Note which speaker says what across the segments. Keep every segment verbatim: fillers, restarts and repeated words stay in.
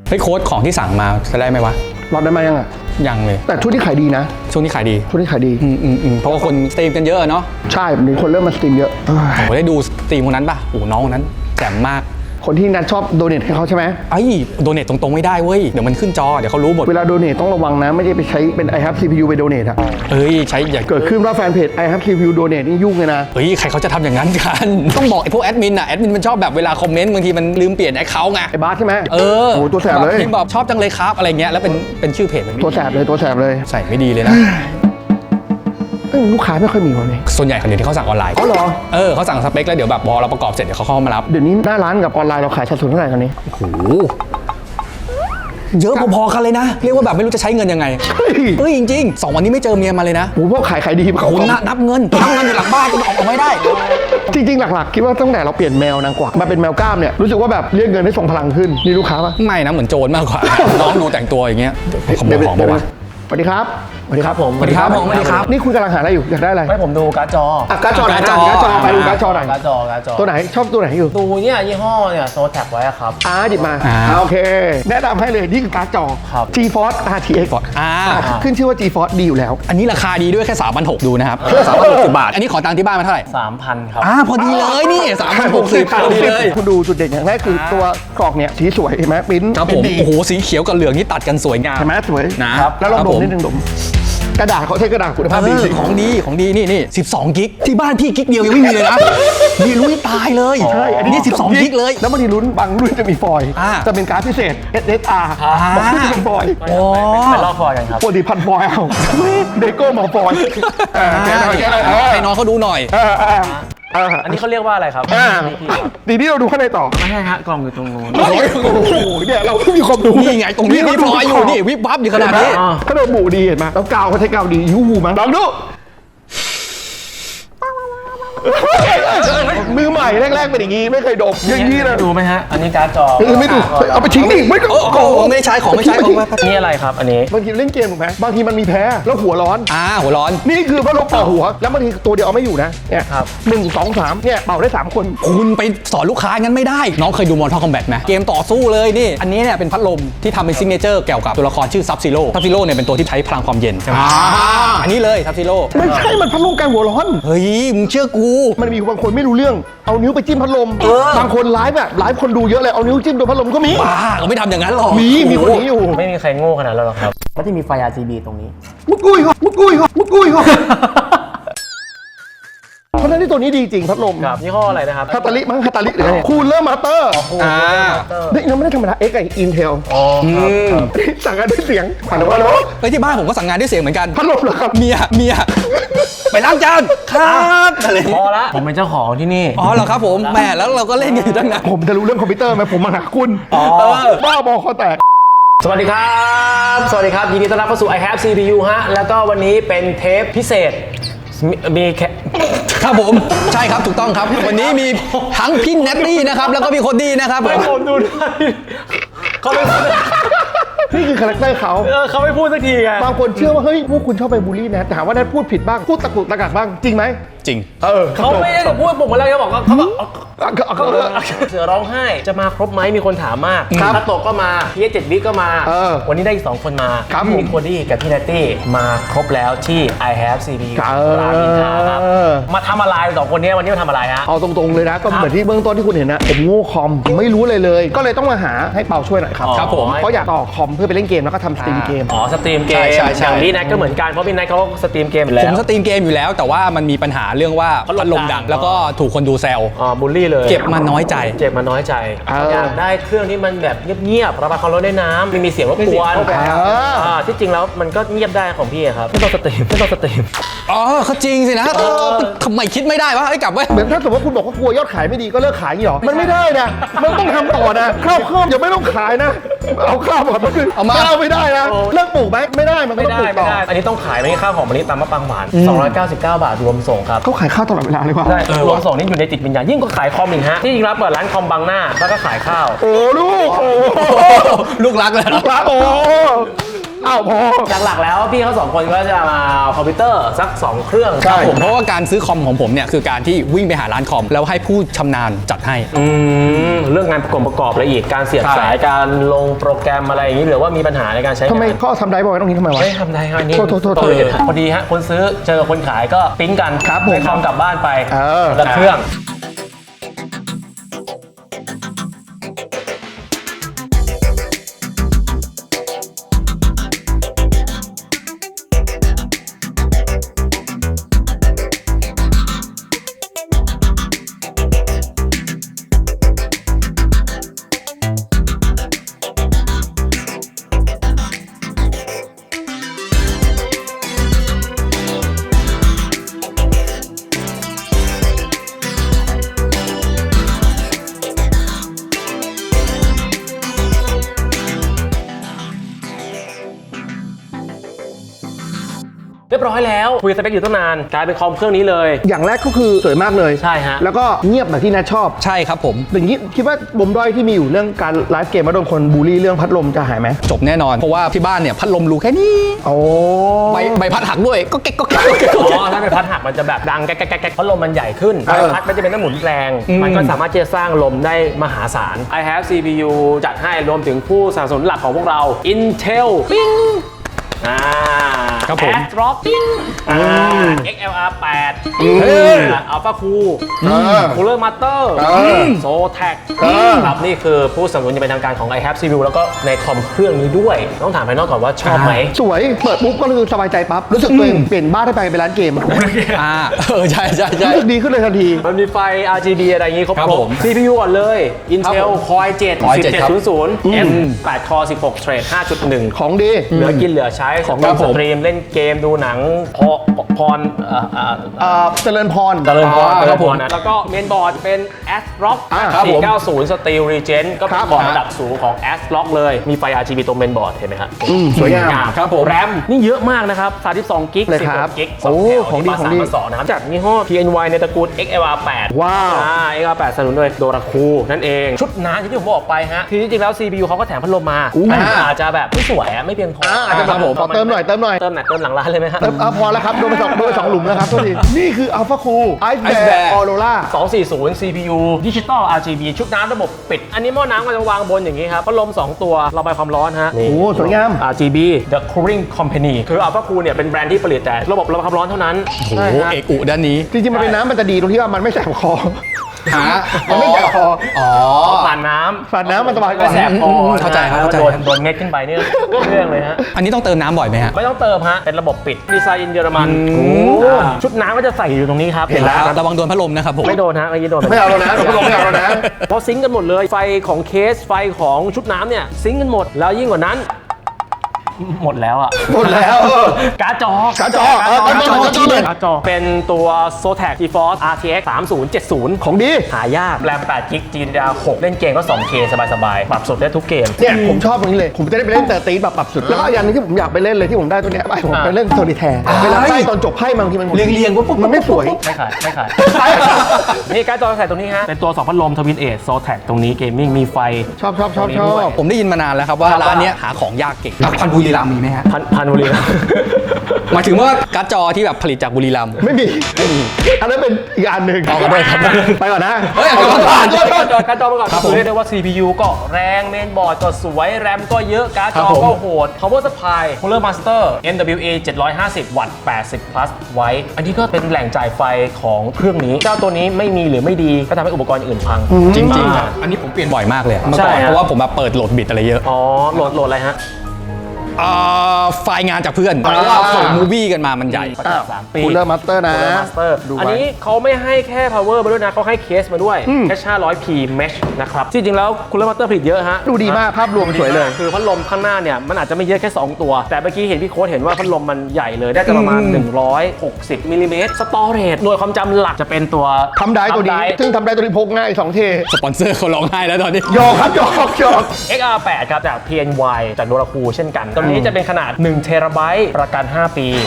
Speaker 1: เฮ้ยโค้ดของที่สั่งมาจะได้ไหมวะ
Speaker 2: รอดได้ไหมยังอ่ะ
Speaker 1: ยังเลย
Speaker 2: แต่ช่วงที่ขายดีนะ
Speaker 1: ช่วงนี้ขายดี
Speaker 2: ช่วงนี้ขายดี
Speaker 1: อืมอืมอืมเพราะว่าคนสตรีมกันเยอะเนาะ
Speaker 2: ใช่มีคนเริ่มมาสตรีมเยอะ
Speaker 1: โอ้โหได้ดูสตรีมคนนั้นป่ะโอ้น้องคนนั้นแจ่มมาก
Speaker 2: คนที่นัดชอบโดเนทให้เขาใช่ไหม
Speaker 1: ไอ้โดเนทตรงๆไม่ได้เว้ยเดี๋ยวมันขึ้นจอเดี๋ยวเขารู้หมด
Speaker 2: เวลาโดเนทต้องระวังนะไม่ได้ไปใช้เป็น I have ซี พี ยู ไปโดเนทอะ
Speaker 1: เอ้ยใช้อย่า
Speaker 2: เกิดขึ้นว่าแฟนเพจ I have ซี พี ยู โดเนทนี่ยุ่งเลยนะ
Speaker 1: เฮ้ยใครเขาจะทำอย่างนั้นกันต้องบอกไอ้พวกแอดมินอะแอดมินมันชอบแบบเวลาคอมเมนต์บางทีมันลืมเปลี่ยนแอคเคาท์ไง
Speaker 2: ไอ้บาสใช่ไหม
Speaker 1: เออ
Speaker 2: โอ้ตัวแสบเลย
Speaker 1: พิมพ์บอกชอบจังเลยครับอะไรเงี้ยแล้วเป็นเป็นชื่อเพจ
Speaker 2: ตัวแสบเลยตัวแสบเลย
Speaker 1: ใส่ไม่ดีเลยนะ
Speaker 2: ลูกค้าไม่ค่อยมีวันนี้
Speaker 1: ส่วนใหญ่คนเดียวที่เขาสั่งออนไลน์
Speaker 2: อ๋อเหรอ
Speaker 1: เออเขาสั่งสเปคแล้วเดี๋ยวแบบพอเราประกอบเสร็จเดี๋ยวเขาเข้ามารับ
Speaker 2: เดี๋ยวนี้หน้าร้านกับออนไลน์เราขายสัดส่วนเท่าไหร่ตอนนี้
Speaker 1: โอ้โหเยอะพอๆกันเลยนะเรียกว่าแบบไม่รู้จะใช้เงินยังไงเฮ้ยจริงๆสองวันนี้ไม่เจอเมียมาเลยนะ
Speaker 2: โอ้พวกขายขายดี
Speaker 1: เขานับเงินนับเงินอยู่หลังบ้านก็ออกไม่ได้
Speaker 2: จริงๆหลักๆคิดว่าตั้งแต่เราเปลี่ยนแมวนางกวักมาเป็นแมวกล้ามเนี่ยรู้สึกว่าแบบเรียกเงินได้ส่งพลังขึ้นนี่ลูกค้าปะ
Speaker 1: ไม่นะเหมือนโจรมากกว่าน้องดูแต่งตัวอย่างเงี้ยขโมยของบอกว่า
Speaker 2: สวัสดีครับ
Speaker 3: สวัสดีครับผม
Speaker 1: สวัสดีครับผมสวัสดีครับ
Speaker 2: นี่คุณกำลังหาอะไรอยู่อยากได้อะไร
Speaker 3: ไม่ผมดูการ์ดจอ
Speaker 2: การ์ดจอการ์ดจอการ์ดจอไปดูการ์ดจอหน่อย
Speaker 3: การ์ดจอการ์ดจอ
Speaker 2: ตัวไหนชอบตัวไหนอยู่
Speaker 3: ดูเนี่ยยี่ห้อเนี่ยโซแท็กไว้ครับ
Speaker 2: อ่าหยิบมาโอเคแนะนำให้เลยนี่คือการ์ดจอ GeForce อาร์ ที เอ็กซ์
Speaker 1: อ่า
Speaker 2: ขึ้นชื่อว่า GeForce ดีอยู่แล้ว
Speaker 1: อันนี้ราคาดีด้วยแค่ สามพันหกร้อย ดูนะครับสามพันหกสิบบาทอันนี้ขอตังค์ที่บ้านมาเท่าไหร่
Speaker 3: สามพัน ครับ
Speaker 1: อ่าพอดีเลยนี่สามพันหกสิบพอดีเลย
Speaker 2: คุณดูจุดเด่นอย่างแรกคือตัวกรอกเนี่ยสีสวยเห็นไหมปิ้น
Speaker 1: ครับผมโอ้โหสีเขียวกับเหลืองนี่ตัดกันสวยงาม
Speaker 2: เห็นไหมสวย
Speaker 1: นะครับ
Speaker 2: แล้วลองดมนิดนึงดมกระดาษเขาใช้กระดาษคุณภาพดี
Speaker 1: ของดีของดีนี่นี่สิบสองกิกที่บ้านพี่กิกเดียวยังไม่มีเลยนะนี่ลุ้นตายเลย
Speaker 2: ใช่อัน
Speaker 1: นี้สิบสองกิกเลย
Speaker 2: แล้วบางทีลุ้นบางรุ่นจะมีฟอยล์จะเป็นการ์ดพิเศษ เอส เอส อาร์ บางรุ่นจะเป็นฟอยล์
Speaker 3: โอ้ไปลอกฟอยล์กันครับ
Speaker 2: ปกติพันฟอยล์เอาเดโก้มาฟอยล์
Speaker 1: ให้น้องเขาดูหน่อย
Speaker 3: อันนี้เขาเรียกว่าอะไรครับ
Speaker 2: ดีที่เราดูข้างในต่อ
Speaker 3: ไม่ใช่ฮะกล่องอยู่ตรงนู้น
Speaker 2: โอ้โหเนี่ยเราไม่มีความรู้
Speaker 1: นี่ไงตรงนี้มีฟอยล์อยู่นี่วิบวับอยู่ขนาดนี้
Speaker 2: ขนมหมูดีเห็นไหมแล้วกาวเขาใช้กาวดียูหูมั้งลองดูมือใหม่แรกๆเป็นอย่างงี้ไม่เคยดมอย่างนี้เลย
Speaker 3: ดูไหมฮะอันนี้การ์ดจอ
Speaker 2: ไม่ดูเอาไปทิ้งดิไม่
Speaker 1: โอ้โหไม่ใช้ของไม่ใช้ของ
Speaker 3: นี่อะไรครับอันนี้
Speaker 2: บางทีเล่นเกมถูกไหมบางทีมันมีแพ้แล้วหัวร้อน
Speaker 1: อ่าหัวร้อน
Speaker 2: นี่คือพัดลมเป่าหัวแล้วบางทีตัวเดียวเอาไม่อยู่นะเนี่ยครับหนึ่งสองสามเนี่ยเป่าได้สามคน
Speaker 1: คุณไปสอนลูกค้างั้นไม่ได้น้องเคยดูมอร์ทัลคอมแบทไหมเกมต่อสู้เลยนี่อันนี้เนี่ยเป็นพัดลมที่ทำเป็นซิกเนเจอร์เกี่ยวกับตัวละครชื่อซับซีโร่ซับซีโร่เนี่ยเป็นตัวที่ใช้พลังความเย็นใช่ไหมอันนี้เลยซับซีโร่
Speaker 2: ไม่ใช่มันพัดลมกันหัวร้อน
Speaker 1: เฮ้ยมึงเชื่อกู
Speaker 2: มันมีบางคนไม่รู้เรื่องเอานิ้วไปจิ้มพัดลมบางคนไลฟ์แบบไลฟ์คนดูเยอะเลยเอานิ้วจิ้มโดนพัดลมก็มี
Speaker 1: บ้าเราไม่ทำอย่างนั้นหรอก
Speaker 2: มีมีคนนี้อยู่
Speaker 3: ไม่มีใครโง่ขนาดนั้นหรอกครับก็จะมีไฟ อาร์ จี บี ตรงนี้
Speaker 2: มุดกุ้ยก็มุดกุ้ยก็มุดกุ้ยก็เพราะนั้นที่ตัวนี้ดีจริงพัดลม
Speaker 3: ครับยี่ห้ออะไรนะครับ
Speaker 2: ฮาตาลิมั้งฮาตาลิหรือไงคูลเลอร์มาสเตอร์
Speaker 1: อ่า
Speaker 2: นี่ยังไม่ได้ธรรมดาเอ็กไออินเทล
Speaker 3: อ๋อ
Speaker 2: สั่งกันด้วยเสียงผ่านมาแล้ว
Speaker 1: ไปที่บ้านผมก็สั่งงานด้วยเสียงเหมือนกัน
Speaker 2: พัดลมเหรอครับ
Speaker 1: เมียเมียไปล้างจานครับอะไร
Speaker 3: พอละผมเป็นเจ้าของที่นี่
Speaker 1: อ๋อเหรอครับผมแหมแล้วเราก็เล่นกันอยู่ตั้งนาน
Speaker 2: ผมจะรู้เรื่องคอมพิวเตอร์ไหมผมมาหาคุณ
Speaker 3: อ๋อ
Speaker 2: บ้าบอคอแตก
Speaker 3: สวัสดีครับสวัสดีครับยินดีต้อนรับเข้าสู่ I have ซี พี ยู ฮะแล้วก็วันนี้เป็นเทปพิเศษมีแค่
Speaker 1: ครับผมใช่ครับถูกต้องครับวันนี้มีทั้งพี่เนตตี้นะครับแล้วก็มีคนดีนะครับ
Speaker 3: ผมดูได้เขาไม่
Speaker 2: นี่คือคาแรคเตอร์เขา
Speaker 3: เออเขาไม่พูดสักทีไง
Speaker 2: บางคนเชื่อว่าเฮ้ยพวกคุณชอบไปบูลลี่แนทถามว่าแนทพูดผิดบ้างพูดตะกุกตะกักบ้างจริงไหม
Speaker 1: จริง
Speaker 2: เออ
Speaker 3: เขาไม่ได้พูดผมมาแล้วเขาบอกว่าเขาเขาเสือร้องไห้จะมาครบไหมมีคนถามมากคาโตะก็มาพี่เจ็ดบิ๊กก็มาวันนี้ได้อีกสองคนมามีคนดีกับพี่เนตตี้มาครบแล้วที่ I have ซี พี ยู รามอินทราครับมาทำอะไรสองคนนี้วันนี้มาทำอะไรฮะ
Speaker 2: เอาตรงๆเลยนะก็เหมือนที่เบื้องต้นที่คุณเห็นนะผมโง่คอมไม่รู้เลยเลยก็เลยต้องมาหาให้เปาช่วยหน่อยครับ
Speaker 1: ครับผม
Speaker 2: เพราะอยากต่อคอมเพื่อไปเล่นเกมแล้วก็ทำสตรีมเกม
Speaker 3: อ๋อสตรีมเกมอย่างพี่แนทก็เหมือนกันเพราะพี่แนทเขาสตรีมเกมอยู่แล้ว
Speaker 1: ผมสตรีมเกมอยู่แล้วแต่ว่ามันมีปัญหาเรื่องว่าพัดลมดังแล้วก็ถูกคนดูแซว
Speaker 3: อ๋อบูลลี่เลย
Speaker 1: เจ็บมาน้อยใจ
Speaker 3: เจ็บมาน้อยใจอยากได้เครื่องที่มันแบบเงียบๆระบายความร้อนได้น้ำไม่มีเสียงรบกวนอ่าที่จริงแล้วมันก็เงียบได้ของพี่ครับไม่ต้องสตรีมไม่ต้องสตรีม
Speaker 1: อ๋อเขาจริงสินะทำไมคิดไม่ได้วะไอ้กลับไว้
Speaker 2: เหมือนถ้าสมมติว่าคุณบอกว่ากลัวยอดขายไม่ดีก็เลิกขายอย่างนี้หรอมันไม่ได้นะมันต้องทำต่อนะข้าวข้าวอย่าไม่ต้องขายนะเอาข้าวมาคือเอามาข้าวไม่ได้นะเลิกปลูกไหมไม่ได้มันต้องปลูกต่อ
Speaker 3: อันนี้ต้องขายไม่ใช่ข้าวหอมมะลิตามมะปรางหวานสองร้อยเก้าสิบเก้าบาทรวมส่งครับ
Speaker 2: เขาขายข้าวตลอดเวลาเลยว่ะ
Speaker 3: รวมส่งนี่อยู่ในจิตวิญญาณยิ่งกว่าขายคอมอีกฮะที่จริงแล้วเปิดร้านคอมบังหน้าแล้วก็ขายข้าว
Speaker 2: โอ้ลูกโอ้
Speaker 1: ลูกรักเลย
Speaker 2: ลูกรักโอ้อ้าวพอ
Speaker 3: หลักๆแล้วพี่เขาสองคนก็จะมาเอาคอมพิวเตอร์สักสองเครื่อง
Speaker 2: ใช่
Speaker 1: ผมเพราะว่าการซื้อคอมของผมเนี่ยคือการที่วิ่งไปหาร้านคอมแล้วให้ผู้ชำนาญจัดให้
Speaker 3: อืมเรื่องงานประกอบประกอบละเอียดการเสียบ
Speaker 1: ใช่
Speaker 3: สายการลงโปรแกรมอะไรอย่างนี้หรือว่ามีปัญหาในการใช้งาน
Speaker 2: ทำไมเขาเอาทำได้บอยตรงนี้ทำไมวะ
Speaker 3: ไม่ทำได้ครับอันนี่
Speaker 2: โทษโทษโทษ
Speaker 3: เออพอดีฮะคนซื้อเจอคนขายก็ปิ๊งกัน
Speaker 2: ครับผม
Speaker 3: ไปคอมกลับบ้านไป
Speaker 2: เออ
Speaker 3: แล้วเครื่อง เรียบร้อยแล้วคุยสเปคอยู่ตั้งนานกลายเป็นคอมเครื่องนี้เลย
Speaker 2: อย่างแรกก็คือสวยมากเลย
Speaker 3: ใช่ฮะ
Speaker 2: แล้วก็เงียบแบบที่นัทชอบ
Speaker 1: ใช่ครับผม
Speaker 2: อย่างนี้คิดว่าบมด้อยที่มีอยู่เรื่องการไลฟ์เกมมาโดนคนบูลลี่เรื่องพัดลมจะหายไหม
Speaker 1: จบแน่นอนเพราะว่าที่บ้านเนี่ยพัดลมรูแค่นี้
Speaker 2: โอ้
Speaker 1: ใบใบพัดหักด้วยก็เก๊กก็เก๊กก็เก๊กก็
Speaker 3: อ๋
Speaker 1: เก๊ก
Speaker 3: อถ้าเป็นพัดหักมันจะแบบดังแก๊กแก๊กแก๊กเพราะลมมันใหญ่ขึ้น
Speaker 2: เออ
Speaker 3: พัดมันจะเป็นน้ำหมุนแรง
Speaker 1: อืม
Speaker 3: มันก็สามารถที่จะสร้างลมได้มหาศาล I have ซี พี ยู จัดให้รวมถึงผู้สนับสนุนหลักของพวกเรา Intel ปิ้งอ่า
Speaker 1: ครับผม
Speaker 3: ASRock ปิ้งอ่า เอ็กซ์ แอล อาร์ แปด
Speaker 2: เฮ้ย
Speaker 3: Alpha Cool
Speaker 2: เออ
Speaker 3: Cooler Master
Speaker 2: เออ
Speaker 3: Zotac
Speaker 2: เออ
Speaker 3: ครับนี่คือผู้สนับสนุนอย่างเป็นทางการของ I have ซี พี ยู แล้วก็ในคอมเครื่องนี้ด้วย ต้องถามภายนอกก่อนว่าชอบไหม
Speaker 2: สวย เปิดปุ๊บก็คือสบายใจปั๊บ รู้สึกตัวเองเปลี่ยนบ้านได้ไปเป็นร้านเกม
Speaker 1: อ่าเออใช่ใช่ใช่
Speaker 2: รู้สึกดีขึ้นเลยทันที
Speaker 3: มันมีไฟ อาร์ จี บี อะไรอย่างงี้ครบ
Speaker 1: ครับผม
Speaker 3: ซี พี ยู ก่อนเลย Intel Core เจ็ด
Speaker 1: Core เจ็ดครับ
Speaker 3: สิบเจ็ดศูนย์ศูนย์ เอ็ม แปด Core สิบหก Thread ห้าจุดหนึ่ง
Speaker 2: ของดี
Speaker 3: เหลือกินเหลือใช้ของ
Speaker 1: ครับ
Speaker 3: ส
Speaker 1: ผม
Speaker 3: ตรีมเล่นเกมดูหนังพอพรเอ่อเอ่อ
Speaker 2: เอ่อเจริญพร
Speaker 3: เจริญพร
Speaker 1: อ่า
Speaker 3: เจริ
Speaker 1: ครั
Speaker 3: ญ
Speaker 1: บ
Speaker 3: พ
Speaker 1: ผม
Speaker 3: รนะแล้วก็เมนบอร์ดเป็น ASRock
Speaker 2: อ่าครับผม
Speaker 3: สี่เก้าศูนย์ Steel Regen ก็เป็
Speaker 2: ครั
Speaker 3: น
Speaker 2: บ
Speaker 3: บอร์ดระดับสูงของ ASRock เลยมีไฟ อาร์ จี บี ตรงเมนบอร์ดเห็นไหมครับ
Speaker 2: อืมสวยงาม
Speaker 1: ครับผม
Speaker 3: แรมนี่เยอะมากนะครับสามสิบสองกิก
Speaker 2: เลยครับ
Speaker 3: สิบหกกิกสอง
Speaker 2: โอ้
Speaker 3: แถว
Speaker 2: ของดี
Speaker 3: นี่
Speaker 2: ของดี
Speaker 3: มาสามมาสองนะครับจากยี่ห้อ พี เอ็น วาย ในตระกูล เอ็กซ์ แอล อาร์ แปด
Speaker 2: ว้าว
Speaker 3: อ่า เอ็กซ์ อาร์ แปด สนับสนุนโดยโดราคูนั่นเอง ชุดน้ำที่ผมบอกไปฮะ คือจริงๆแล้ว ซี พี ยู เขาก็แถมพัดลมมา
Speaker 2: อู้
Speaker 3: แต่อาจจะแบบไม่สวยอะไม่เพียงพอ
Speaker 2: อ่า
Speaker 3: อาจจะ
Speaker 2: ครับผมขอเติมหน่อยเติมหน่อย
Speaker 3: เติมไหนเติมหลังร้านเลยไหมฮะ
Speaker 2: เติมอ่ะพอแล้วครับ โดนไปสองโดนไปสองหลุมแล้วครับโทษทีนี่คือ Alpha Cool Ice
Speaker 1: Ice
Speaker 2: Bear
Speaker 1: Bear
Speaker 2: Aurora
Speaker 3: สองสี่ศูนย์ ซี พี ยู Digital อาร์ จี บี ชุดน้ำระบบปิด อันนี้หม้อน้ำก็จะวางบนอย่างนี้ครับพัดลมสองตัวระบายความร้อนฮะ
Speaker 2: โอ้โหสวยงาม
Speaker 3: อาร์ จี บี The Cooling Company คือ Alpha Cool เนี่ยเป็นแบรนด์ที่ผลิตแต่ระบบระบายความร้อนเท่านั้น
Speaker 1: โอ้โห
Speaker 3: ใช่ฮะ
Speaker 1: เอกอุด้านนี้
Speaker 2: จริงๆ มันเป็นน้ำมันจะดีตรงที่ว่ามันไม่แสบคอ
Speaker 1: หา
Speaker 2: มันไม่แสบคอ
Speaker 1: อ๋อ
Speaker 3: ผ่านน้
Speaker 2: ฝาดน้ำมันสบาย
Speaker 3: ำ
Speaker 2: กว่า
Speaker 3: ไม่แสบคอ
Speaker 1: อืมเข้าใจครับเข้าใจ
Speaker 3: โดนโดนเม็ดขึ้นไปเนี่ยเรื่องเลยฮะ
Speaker 1: อันนี้ต้องเติมน้ำบ่อยไหมฮะ
Speaker 3: ไม่ต้องเติมฮะ เป็นระบบปิด ดีไซน์เยอรมัน
Speaker 1: อืม
Speaker 3: อ่าชุดน้ำก็จะใส่อยู่ตรงนี้ครับ
Speaker 2: เห็นแล้ว
Speaker 1: ระวังโดนพัดลมนะครับผม
Speaker 3: ไม่โดนฮะเมื่อกี้โดน
Speaker 2: ไม่เอาแล้วนะเราไม่เอาแล้วนะ
Speaker 3: เพราะซิงก์กันหมดเลย ไฟของเคส ไฟของชุดน้ำเนี่ย ซิงก์กันหมด แล้วยิ่งกว่านั้น หมดแล้วอ่ะ
Speaker 2: หมดแล้ว
Speaker 3: การ์ดจอ
Speaker 2: การ์ดจอเออการ์ดจอการ์ดจอเลย
Speaker 3: การ์ดจอ เป็นตัว Zotac GeForce อาร์ ที เอ็กซ์ สามศูนย์เจ็ดศูนย์
Speaker 2: ของดี
Speaker 3: หายาก แรม แปด กิก จี ดี อาร์ หก เล่นเกมก็ สองเค สบายๆ ปรับสดได้ทุกเกม
Speaker 2: เนี่ยผมชอบตรงนี้เลย ผมจะได้ไปเล่นเตอร์ตีแบบปรับสุด แล้วก็อย่างหนึงที่ผมอยากไปเล่นเลยที่ผมได้ตัวเนี้ยไปผมไปเล่นโซลิแทร์เวลาไพ่ตอนจบไพ่บางทีมัน
Speaker 1: เรียงเรียงปุ๊บปุ๊บ
Speaker 2: มันไม่สวย
Speaker 3: ไม่ขาย ไม่ขาย นี่การ์ดจอใส่ตรงนี้ฮะ เป็นตัวสองพัดลมทวินเอท Zotac ตรงนี้เกมมิ่งมีไฟ
Speaker 2: ชอบชอบชอบชอบ
Speaker 1: ผมได้ยินมานานแล้วครับว่า
Speaker 3: ครับ
Speaker 1: ร้านเนี้ยหาของยากเก่งแล้วพันธุ์บุรีรัมย์มีไหมฮะ
Speaker 3: พันพันบุรีรัมย์
Speaker 1: หมายถึงว่าการ์ดจอที่แบบผลิตจากบุรีรัมย์
Speaker 2: ไม่มี ไม่มี อันนั้นเป็นอีกอันหนึ่ง
Speaker 1: เอาขอโทษครับ
Speaker 2: ไปก่อนนะ
Speaker 1: เฮ้ยเอาก่อนก่อน
Speaker 3: การ์ดจอการ์ดจอมาก่อน
Speaker 1: ครับผม
Speaker 3: เรียกได้ว่า ซี พี ยู ก็แรงเมนบอร์ดก็สวย แรมก็เยอะ การ์ดจอ
Speaker 1: ครับผม
Speaker 3: ก็โหด power supply cooler master เอ็น ดับเบิลยู เอ เจ็ดร้อยห้าสิบ วัตต์ แปดสิบ plus ไว้ อันนี้ก็เป็นแหล่งจ่ายไฟของเครื่องนี้ เจ้าตัวนี้ไม่มีหรือไม่ดีก็ทำให้อุปกรณ์อื่นพัง
Speaker 1: จริงๆ
Speaker 3: อ่า
Speaker 1: อันนี้ผมเปลี่ยนบ่อยมากเลยอะเมื่อ
Speaker 3: ใช่
Speaker 1: ก่อน
Speaker 3: ฮะ
Speaker 1: เพราะว่าผมแบบเปิดโหลดบิตอะไรเยอะ
Speaker 3: อ๋อโหลดโหลดอะไรฮะ
Speaker 1: อ่าไฟล์งานจากเพื่อนเพราะว่าส่งมูวี่กันมามันใหญ่
Speaker 2: อ้าว
Speaker 3: สามปี
Speaker 2: คูลเลอร์มาสเตอร์นะ
Speaker 3: Cooler Master
Speaker 2: ดูไว้
Speaker 3: อันนี้เขาไม่ให้แค่ power มาด้วยนะเขาให้เคสมาด้วย
Speaker 2: อืม
Speaker 3: แค่ ห้าร้อยพี mesh นะครับจริงๆแล้ว Cooler Master ผลิตเยอะฮะ
Speaker 2: ดูดีมากภาพรวมสวยเลย
Speaker 3: คือพัดลมข้างหน้าเนี่ยมันอาจจะไม่เยอะแค่ สอง ตัว แต่เมื่อกี้เห็นพี่โค้ดเห็นว่าพัดลมมันใหญ่เลยได้จะประมาณ
Speaker 1: อืม
Speaker 3: หนึ่งร้อยหกสิบมิลลิเมตรสตอเรจหน่วยความจำหลักจะเป็นตัว
Speaker 2: ทำได้ตัวนี้ ซึ่งทำได้ตัวนี้พกง่ายสองเท
Speaker 1: สปอนเซอร์เขาร้องไห้แล้วตอนนี้
Speaker 2: หยอกครับหยอกหยอก
Speaker 3: เอ็กซ์ อาร์ แปด ครับจาก พี เอ็น วาย จากโนราคูเช่นกันตัวนี้จะเป็นขนาดหนึ่งเทราไบต์ประกันห้าปี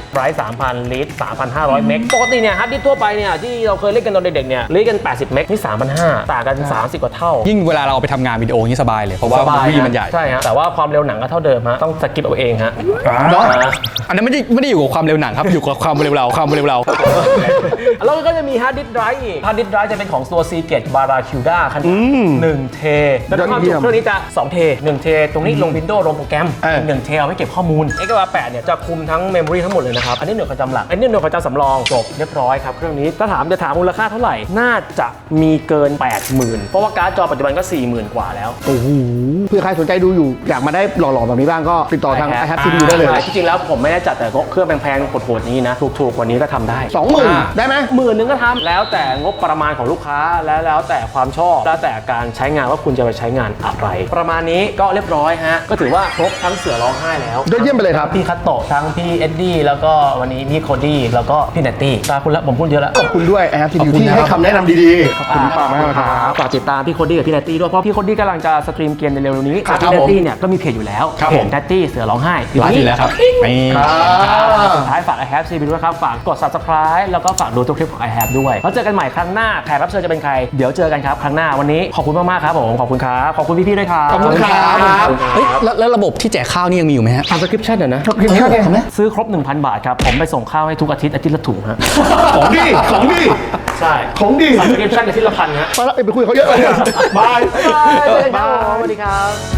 Speaker 3: ไรซ์สามพันลีดสามพันห้าร้อยเมกปกติเนี่ยฮาร์ดดิสก์ทั่วไปเนี่ยที่เราเคยเล่นกันตอนเด็กๆเนี่ยลีดกันแปดสิบเมกนี่สามพันห้าร้อยต่างกันสามสิบกว่าเท่ายิ่
Speaker 1: ยิ่งเวลาเราเอาไปทำงานวิดีโอนี่สบายเลยเพราะว่ามูวี่มันใหญ่
Speaker 3: ใช่ฮะแต่ว่าความเร็วหนังก็เท่าเดิมฮะต้องสกิปเอาเองฮะ
Speaker 1: อันนั้นไม่ได้ไม่ได้อยู่กับความเร็วหนังครับอยู่กับความเร็วเราความเร็วเรา
Speaker 3: แล้วก็จะมีฮาร์ดดิสก์ไดรฟ์อีกฮาร์ดดิสก์ไดรฟ์จะเป็นของตัว Seagate Barracuda ขนาดหนึ่งเทแล้วความจุเครื่องนี้จะสองเทหนึ่งเทตรงนี้ลง Windows ลงโปรแกรมหนึ่งเทเอาไว้เก็บข้อมูล เอ็กซ์ อาร์ แปดเนี่ยจะคุมทั้งเมมโมรีทั้งหมดเลยนะครับอันนี้หน่วยความจำหลักอันนี้หน่วยความจำสำรองจบเรียบร้อยครับเครื่องนี้ถ้าถามจะถามมูลค่าเท่าไหร่น่าจะมีเกิน แปดหมื่น เพราะว่าการ์ดจอปัจจุบันก็ สี่หมื่น กว่าแล้ว
Speaker 2: โอ้โหเพื่อใครสนใจดูอยู่อยากมาได้หล่อๆแบบนี้บ้างก็ติดต่อทาง ไอ แฮป ซี พี ยู ได้เลย
Speaker 3: จริงๆแล้วผมไม่ได้จัดแต่เครื่องแพงๆโหดๆนี้นะถูกๆกว่านี้ก็ทำได้
Speaker 2: สองหมื่นได้ไหม
Speaker 3: หมื่นนึงก็ทำแล้วแต่งบประมาณของลูกค้าและแล้วแต่ความชอบแล้วแต่การใช้งานว่าคุณจะไปใช้งานอะไร ประมาณนี้ก็เรียบร้อยฮะก็ถือว่าครบทั้งเสือร้องไห้แล้ว
Speaker 2: ยอดเยี่ยมไปเลยครับ
Speaker 3: พี่คัตโตะทั้งพี่เอ็ดดี้แล้วก็วันนี้พี่โคดี้แล้วก็พี่เนตตี้ขอบคุณแล้วผมพูดเยอะแล้ว
Speaker 2: ขอบคุณด้วย ไอ แฮป ซี พี ยู ที่ให้คำแนะนำดีๆขอบคุณมากมากครับ
Speaker 3: ฝากติดตามพี่โคดี้กับพี่เนตตี้ด้วยเพราะพี่โคดี้กำลังจะสตรีมเกมในเร็วๆนี้พี่เนตตี้เนี่ยก็มีเพจอยู่แล้วเพจเนตตี้เสือร้องไห้
Speaker 1: อยู่แล้วครับ
Speaker 3: สุดท้ายฝาก ไอ แฮป ซี พี ยู ด้วยครับฝากกด ซับสไครบ์ แล้วก็ฝากดูทุกคลิปของ ไอ แฮป ด้วยแล้วเจอกันใหม่ครั้งหน้าแขกรับเชิญจะเป็นใครเดี๋ยวเจอกันครับครั้งหน้าวันนี้ขอบคุณมากๆครับผมขอบคุณครับขอบคุณพี่ๆด้วยครับ
Speaker 2: ขอบคุณครับ
Speaker 1: เฮ้ยแล้วระบบที่แจกข้าวนี่ยังมีอยู่ไหมฮะ
Speaker 3: subscription เดี๋ยวนะ
Speaker 2: subscription
Speaker 3: ซื้อครบ หนึ่งพัน บาทครับผมไปส่งข้าวให้ทุกอาทิตย์อาทิตย์ละถุงฮะ
Speaker 2: ของดีของดี
Speaker 3: ใช่
Speaker 2: ของดี
Speaker 3: subscription อาทิตย์ละพันฮะ
Speaker 2: ไปแล้วไปคุยเขาเยอะเลยบาย
Speaker 3: บายสวัสดีครับ